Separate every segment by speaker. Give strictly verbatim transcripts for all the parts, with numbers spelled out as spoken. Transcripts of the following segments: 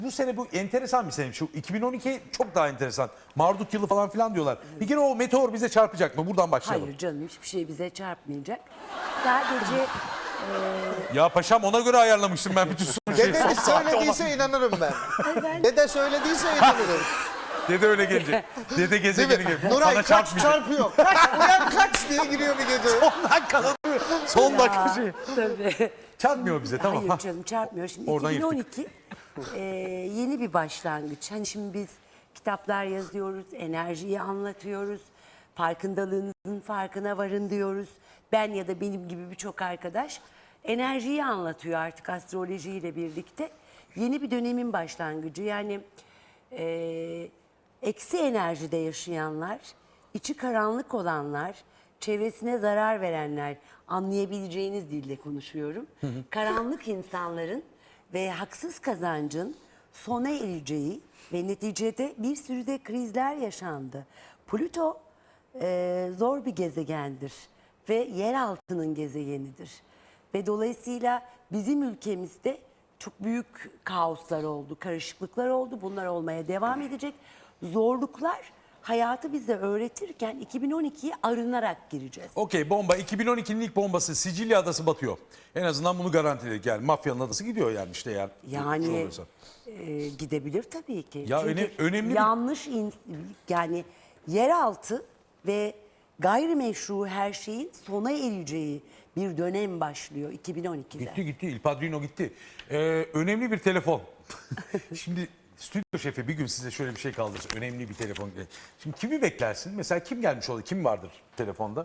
Speaker 1: Bu sene bu enteresan bir sene. Şu iki bin on iki çok daha enteresan. Marduk yılı falan filan diyorlar. Bir kere o meteor bize çarpacak mı? Buradan başlayalım.
Speaker 2: Hayır canım, hiçbir şey bize çarpmayacak. Sadece
Speaker 1: Ya paşam ona göre ayarlamıştım ben bütün sonuçları.
Speaker 3: Dede söylediyse inanırım ben. Dede söylediyse inanırım.
Speaker 1: Dede öyle gelecek. Dede
Speaker 3: Değil
Speaker 1: gezegeni
Speaker 3: mi?
Speaker 1: gibi.
Speaker 3: Nuray
Speaker 1: Sana
Speaker 3: kaç
Speaker 1: çarpmayacak.
Speaker 3: çarpıyor. Kaç uyan kaç diye giriyor bir gece.
Speaker 1: Son dakika. Son dakika şey.
Speaker 2: tabii.
Speaker 1: Çarpmıyor bize tamam.
Speaker 2: Hayır
Speaker 1: Ha.
Speaker 2: canım, çarpmıyor. Şimdi
Speaker 1: Oradan
Speaker 2: iki bin on iki e, yeni bir başlangıç. Hani şimdi biz kitaplar yazıyoruz, enerjiyi anlatıyoruz. Farkındalığınızın farkına varın diyoruz. Ben ya da benim gibi birçok arkadaş enerjiyi anlatıyor artık astrolojiyle birlikte. Yeni bir dönemin başlangıcı. Yani e, eksi enerjide yaşayanlar, içi karanlık olanlar, çevresine zarar verenler, anlayabileceğiniz dille konuşuyorum. Karanlık insanların ve haksız kazancın sona ereceği ve neticede bir sürü de krizler yaşandı. Plüto e, zor bir gezegendir ve yer altının gezegenidir. Ve dolayısıyla bizim ülkemizde çok büyük kaoslar oldu, karışıklıklar oldu. Bunlar olmaya devam edecek. Zorluklar hayatı bize öğretirken iki bin on ikiye arınarak gireceğiz.
Speaker 1: Okey, bomba. iki bin on ikinin ilk bombası Sicilya adası batıyor. En azından bunu garantiledik. Yani mafyanın adası gidiyor yani işte yani.
Speaker 2: Yani e, gidebilir tabii ki.
Speaker 1: Ya
Speaker 2: Çünkü
Speaker 1: öne- önemli bir-
Speaker 2: yanlış in- yani yeraltı ve gayrimeşru her şeyin sona ereceği bir dönem başlıyor iki bin on ikide.
Speaker 1: Gitti gitti. Il Padrino gitti. Ee, önemli bir telefon. Şimdi stüdyo şefi bir gün size şöyle bir şey kaldırsa. Önemli bir telefon. Şimdi kimi beklersin? Mesela kim gelmiş olur? Kim vardır telefonda?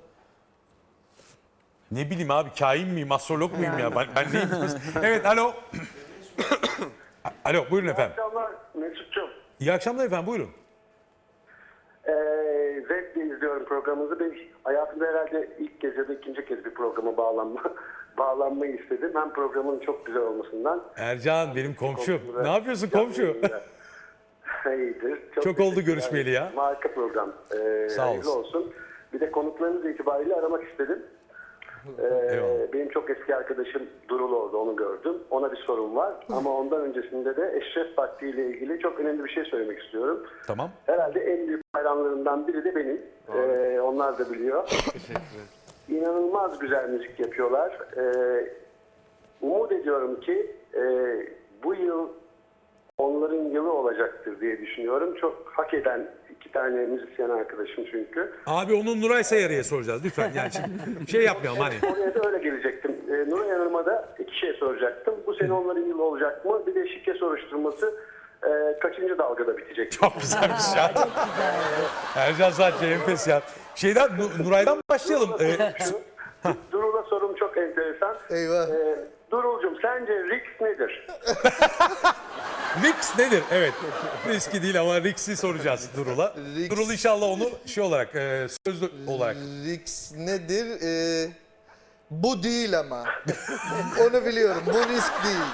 Speaker 1: Ne bileyim abi, kain miyim, astrolog muyum ya? Ben, ben neyim? Evet, alo. Alo, buyurun efendim.
Speaker 4: İyi akşamlar Mesut'cum.
Speaker 1: İyi akşamlar efendim, buyurun.
Speaker 4: Ee, zevkle izliyorum programınızı. Ben hayatımda herhalde ilk kez ya da ikinci kez bir programa bağlanma, bağlanmayı istedim. Hem programın çok güzel olmasından.
Speaker 1: Ercan benim komşum.
Speaker 4: Komşuda-
Speaker 1: Ne yapıyorsun komşu?
Speaker 4: İyidir.
Speaker 1: Çok oldu
Speaker 4: teşekkürler.
Speaker 1: görüşmeyeli ya.
Speaker 4: Harika program. Ee,
Speaker 1: Sağ
Speaker 4: hayırlı
Speaker 1: olsun.
Speaker 4: olsun. Bir de konuklarınız itibariyle aramak istedim. Ee,
Speaker 1: Eyvallah.
Speaker 4: benim çok eski arkadaşım Durul orada, onu gördüm. Ona bir sorum var. Ama ondan öncesinde de Eşref Vakti ile ilgili çok önemli bir şey söylemek istiyorum.
Speaker 1: Tamam.
Speaker 4: Herhalde en büyük hayranlarından biri de benim. Ee, onlar da biliyor. İnanılmaz güzel müzik yapıyorlar. Ee, umut ediyorum ki e, bu yıl onların yılı olacaktır diye düşünüyorum. Çok hak eden iki tane müzisyen arkadaşım çünkü.
Speaker 1: Abi onu Nuray Sayarı'ya soracağız lütfen. Yani şimdi şey yapmayalım hani.
Speaker 4: Oraya da öyle gelecektim. Ee, Nuray Hanım'a da iki şey soracaktım. Bu sene onların yılı olacak mı? Bir de şike soruşturması e, kaçıncı dalgada bitecek?
Speaker 1: Çok güzelmiş ya. Ercan sadece enfes ya. Şeyden Nu- Nuray'dan başlayalım. Ee,
Speaker 4: Şu, Durul'a sorum çok enteresan.
Speaker 3: Eyvah.
Speaker 4: Ee, Durul'cum sence risk nedir?
Speaker 1: Rix nedir? Evet. Riski değil ama Rix'i soracağız Durul'a.
Speaker 3: Rix.
Speaker 1: Durul inşallah onu şey olarak e, sözlü olarak.
Speaker 3: Risk nedir? Ee, bu değil ama. Onu biliyorum. Bu risk değil.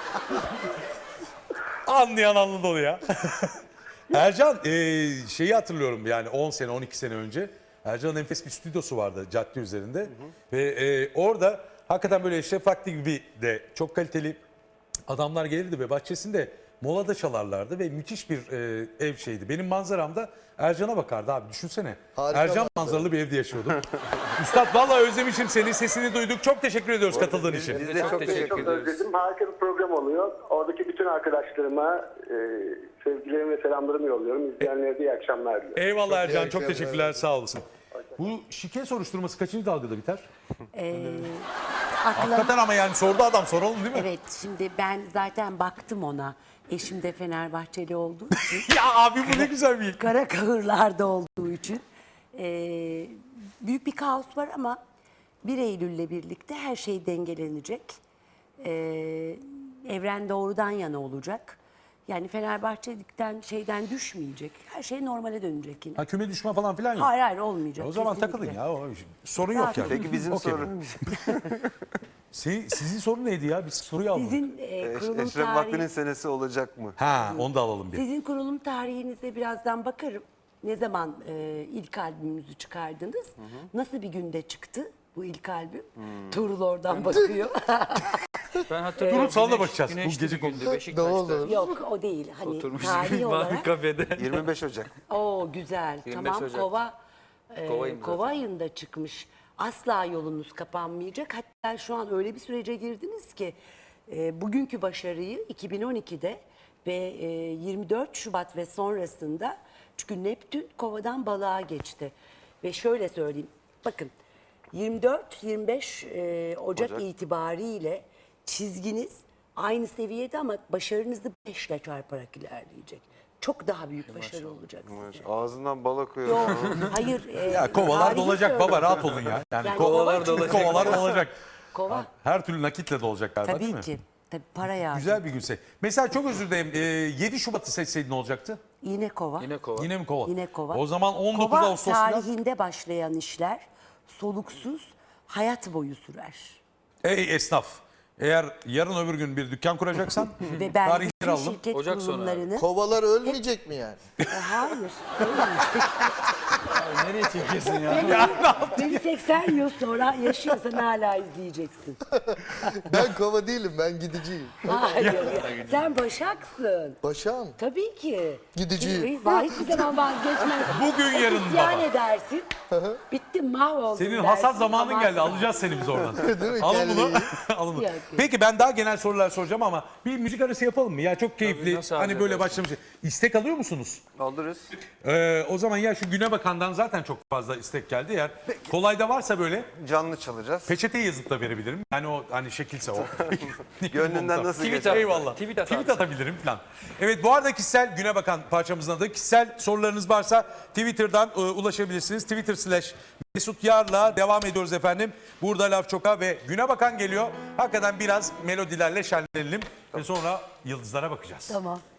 Speaker 1: Anlayan anladı onu ya. Ercan e, şeyi hatırlıyorum yani on sene on iki sene önce. Ercan'ın enfes bir stüdyosu vardı cadde üzerinde. Ve e, orada hakikaten böyle Eşref Vakti gibi de çok kaliteli adamlar gelirdi ve bahçesinde molada çalarlardı ve müthiş bir e, ev şeydi. Benim manzaramda Ercan'a bakardı abi, düşünsene.
Speaker 3: Harika
Speaker 1: Ercan
Speaker 3: manzara.
Speaker 1: manzaralı bir evde yaşıyordum. Üstad vallahi özlemişim seni, sesini duyduk. Çok teşekkür ediyoruz katıldığın için.
Speaker 5: Biz de çok
Speaker 4: Çok,
Speaker 5: teşekkür
Speaker 4: çok
Speaker 5: ediyoruz.
Speaker 4: özledim. Harika bir program oluyor. Oradaki bütün arkadaşlarıma e, sevgilerimi ve selamlarımı yolluyorum. İzleyenlere de iyi akşamlar diliyorum.
Speaker 1: Eyvallah Ercan, çok
Speaker 3: akşamlar.
Speaker 1: teşekkürler, sağ olasın. Bu şike soruşturması kaçıncı dalgada biter?
Speaker 2: Ee, akla-
Speaker 1: Hakikaten ama yani sordu adam, soralım değil mi?
Speaker 2: Evet, şimdi ben zaten baktım ona. Eşim de Fenerbahçeli olduğu için,
Speaker 1: Ya abi bu ne güzel bir...
Speaker 2: kara kahırlarda olduğu için e, büyük bir kaos var ama bir Eylül'le birlikte her şey dengelenecek. E, evren doğrudan yana olacak. Yani Fenerbahçelikten şeyden düşmeyecek. Her şey normale dönecek yine.
Speaker 1: Ha, küme düşme falan filan yok.
Speaker 2: Hayır hayır olmayacak.
Speaker 1: O zaman
Speaker 2: kesinlikle.
Speaker 1: takılın ya. O, sorun yok
Speaker 2: Rahat
Speaker 1: yani.
Speaker 2: olun.
Speaker 5: Peki bizim
Speaker 1: Okey.
Speaker 5: sorun.
Speaker 1: Senin, sizin sorun neydi ya? Biz soruyu almadık.
Speaker 2: Sizin e, kurulum
Speaker 5: Eşref Vakti'nin
Speaker 2: tarihi,
Speaker 5: senesi olacak mı?
Speaker 1: Ha, onu da alalım bir.
Speaker 2: sizin kurulum tarihinize birazdan bakarım. Ne zaman e, ilk albümünüzü çıkardınız? Nasıl bir günde çıktı bu bu ilk albüm. Tuğrul oradan bakıyor.
Speaker 5: Ben hatırlıyorum.
Speaker 1: Turun salona
Speaker 5: güneş-
Speaker 1: bakacağız. Bu
Speaker 5: güneşli
Speaker 1: gece
Speaker 5: bir gündü
Speaker 3: Ne
Speaker 5: Beşiktaş'ta.
Speaker 3: olur.
Speaker 2: Yok o değil. Hani
Speaker 5: Oturmuş
Speaker 2: tarihi
Speaker 5: mavi
Speaker 2: olarak.
Speaker 5: kafede.
Speaker 6: yirmi beş Ocak.
Speaker 2: Oo güzel.
Speaker 5: yirmi beş
Speaker 2: Tamam
Speaker 5: Ocak.
Speaker 2: kova e,
Speaker 5: Kova ayında
Speaker 2: kova
Speaker 5: zaten.
Speaker 2: ayında çıkmış. Asla yolunuz kapanmayacak. Hatta şu an öyle bir sürece girdiniz ki e, bugünkü başarıyı iki bin on ikide ve e, yirmi dört Şubat ve sonrasında, çünkü Neptün kovadan balığa geçti. Ve şöyle söyleyeyim. Bakın yirmi dört yirmi beş e, Ocak,
Speaker 6: Ocak.
Speaker 2: itibariyle çizginiz aynı seviyede ama başarınızı beşle çarparak ilerleyecek. Çok daha büyük başarı olacak size.
Speaker 6: Ağzından bal akıyor.
Speaker 2: Yok, hayır. e,
Speaker 1: Ya kovalar
Speaker 2: tarihi
Speaker 1: dolacak baba,
Speaker 2: söylüyorum.
Speaker 1: rahat olun ya. Yani
Speaker 2: Yani
Speaker 1: kovalar
Speaker 2: kovalar
Speaker 1: dolacak. Kovalar dolacak.
Speaker 2: Kova.
Speaker 1: Her türlü nakitle dolacak galiba, değil
Speaker 2: Tabii
Speaker 1: mi?
Speaker 2: ki. Tabii para yağdı.
Speaker 1: Güzel bir günse. Mesela çok özür dilerim. e, yedi Şubat'ı seçseydin ne olacaktı?
Speaker 2: Yine kova.
Speaker 5: Yine kova.
Speaker 1: Yine mi kova?
Speaker 2: Yine kova.
Speaker 1: O zaman on dokuz
Speaker 2: Kova
Speaker 1: Ağustos'ta
Speaker 2: tarihinde başlayan işler soluksuz hayat boyu sürer.
Speaker 1: ey esnaf. Eğer yarın öbür gün bir dükkan kuracaksan
Speaker 2: Ve ben
Speaker 1: tarihleri
Speaker 2: bütün
Speaker 1: alalım.
Speaker 2: şirket
Speaker 5: Ocak sonu
Speaker 2: kurulumlarını...
Speaker 3: Kovalar ölmeyecek mi yani?
Speaker 2: E, hayır. ölmeyecek.
Speaker 5: Nereye çekiyorsun ya?
Speaker 2: Beni seksen yıl sonra yaşıyorsan hala izleyeceksin.
Speaker 3: Ben kova değilim, ben gidiciyim.
Speaker 2: Hayır. Sen Başak'sın.
Speaker 3: Başağım.
Speaker 2: Tabii ki.
Speaker 3: Gideceğim.
Speaker 2: Vay, hiçbir zaman vazgeçmez.
Speaker 1: Bugün yarın
Speaker 2: İsyan
Speaker 1: baba.
Speaker 2: edersin. Bittim, mahvoldum
Speaker 1: Senin
Speaker 2: dersin.
Speaker 1: hasat zamanın
Speaker 2: Ama-
Speaker 1: geldi. Alacağız seni biz oradan.
Speaker 3: Değil mi?
Speaker 1: Alın bunu.
Speaker 3: Kelleyi.
Speaker 1: Alın bunu.
Speaker 2: Yok.
Speaker 1: Peki ben daha genel sorular soracağım ama bir müzik arası yapalım mı? Ya çok keyifli.
Speaker 5: nasıl
Speaker 1: Hani
Speaker 5: arzu
Speaker 1: böyle
Speaker 5: edersin?
Speaker 1: başlamış. İstek alıyor musunuz?
Speaker 6: Alırız.
Speaker 1: Ee, o zaman ya şu Güne Bakan'dan zaten çok fazla istek geldi. Eğer kolayda varsa böyle
Speaker 6: Canlı çalacağız.
Speaker 1: peçete yazıp da verebilirim. Yani o hani şekilse o.
Speaker 6: Gönlünden nasıl
Speaker 5: Tweet
Speaker 6: geçer?
Speaker 5: at.
Speaker 1: Eyvallah.
Speaker 5: Tweet at
Speaker 1: Tweet
Speaker 5: abi.
Speaker 1: atabilirim falan. Evet, bu arada kişisel Güne Bakan parçamızın adı. Kişisel sorularınız varsa Twitter'dan e, ulaşabilirsiniz. Twitter slash Mesut Yar'la devam ediyoruz efendim. Burada Laf Çok'a ve Güne Bakan geliyor. Hakikaten biraz melodilerle şenlenelim ve sonra yıldızlara bakacağız.
Speaker 2: Tamam.